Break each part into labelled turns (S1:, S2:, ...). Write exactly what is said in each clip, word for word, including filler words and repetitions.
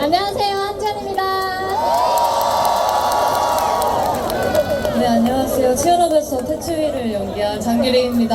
S1: 안녕하세요, 한지연입니다.
S2: 네, 안녕하세요. 치얼업에서 태추위를 연기한 장기리입니다.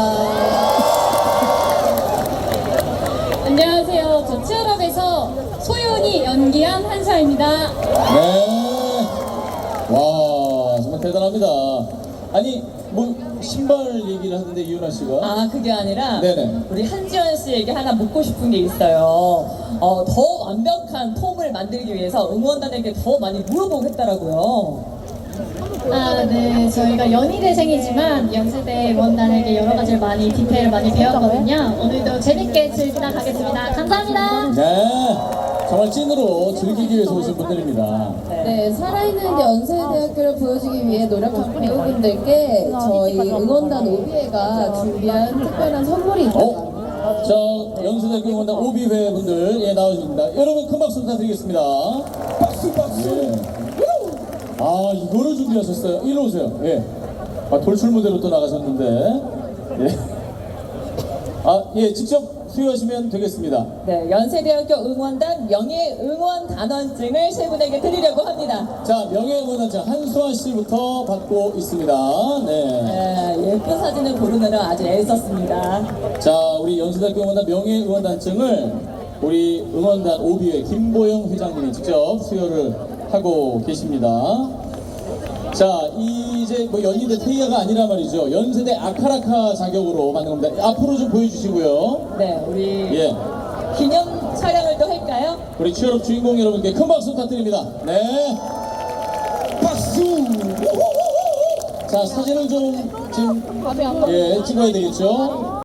S1: 안녕하세요, 저 치얼업에서 소윤이 연기한 한서입니다.
S3: 네. 와, 정말 대단합니다. 아니, 뭐, 신발 얘기를 하는데, 이윤아 씨가.
S2: 아, 그게 아니라
S3: 네네.
S2: 우리 한지연 씨에게 하나 묻고 싶은 게 있어요. 어, 더 완벽한 폼을 만들기 위해서 응원단에게 더 많이 물어보고 했더라고요.
S1: 아, 네, 저희가 연희대생이지만 연세대 원단에게 여러 가지를 많이 디테일을 많이 배웠거든요. 오늘도 재밌게 즐기다 가겠습니다. 감사합니다.
S3: 네. 정말 찐으로 즐기기 위해서 오신 분들입니다.
S4: 네, 살아있는 연세대학교를 보여주기 위해 노력한 배우분들께 저희 응원단 오비회가 준비한 특별한 선물이 있다고
S3: 어? 자, 연세대학교 응원단 오비회 분들, 예, 나와주십니다. 여러분, 큰 박수 부탁드리겠습니다. 박수, 박수! 예. 아, 이거를 준비하셨어요. 일로 오세요. 예. 아, 돌출 무대로 또 나가셨는데. 예. 아, 예, 직접 수여하시면 되겠습니다.
S2: 네, 연세대학교 응원단 명예 응원 단원증을 세 분에게 드리려고 합니다.
S3: 자, 명예응원단장 한수아 씨부터 받고 있습니다. 네.
S2: 네, 예쁜 사진을 고르느라 아주 애썼습니다.
S3: 자, 우리 연세대학교 응원단 명예응원단증을 우리 응원단 오비회 김보영 회장님이 직접 수여를 하고 계십니다. 자, 이제 뭐 연희대 태희야가 아니라 말이죠. 연세대 아카라카 자격으로 만든 겁니다. 앞으로 좀 보여주시고요.
S2: 네, 우리
S3: 예.
S2: 기념 촬영을 또 할까요?
S3: 우리 취업 주인공 여러분께 큰 박수 부탁드립니다. 네. 박수! 자, 사진을 좀 지금 예, 찍어야 되겠죠?